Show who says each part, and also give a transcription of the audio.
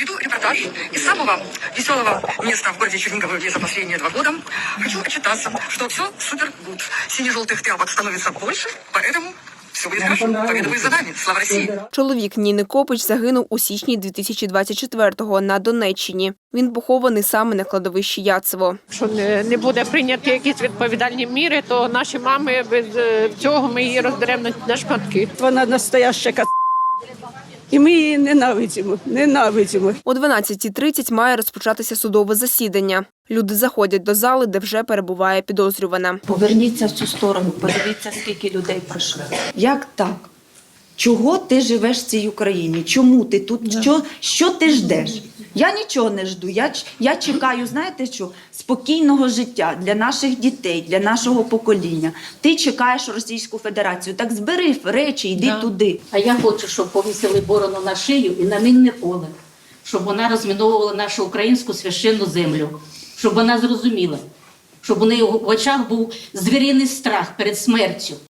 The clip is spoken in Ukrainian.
Speaker 1: Веду репортаж из самого веселого места в городе Чернигово, где за последние 2 года. Хочу отчитаться, что все супер гуд. Сине-желтых тряпок становится больше, поэтому все будет хорошо. Победа будет за нами. Слава России!
Speaker 2: Чоловік Ніни Копич загинув у січні 2024-го на Донеччині. Він похований саме на кладовищі Яцево.
Speaker 3: Якщо не буде прийняті якісь відповідальні міри, то наші мами без цього ми її роздеремо на шматки.
Speaker 4: Вона настояща і ми її ненавидимо.
Speaker 2: О 12:30 має розпочатися судове засідання. Люди заходять до зали, де вже перебуває підозрювана.
Speaker 5: Поверніться в цю сторону, подивіться, скільки людей пройшло. Як так? Чого ти живеш в цій Україні? Чому ти тут? Що ти ждеш? Я нічого не жду. Я чекаю, знаєте що? Спокійного життя для наших дітей, для нашого покоління. Ти чекаєш Російську Федерацію. Так збери речі, йди туди.
Speaker 6: А я хочу, щоб повісили борону на шию і на мінне поле. Щоб вона розміновувала нашу українську священну землю. Щоб вона зрозуміла. Щоб у неї в очах був звіриний страх перед смертю.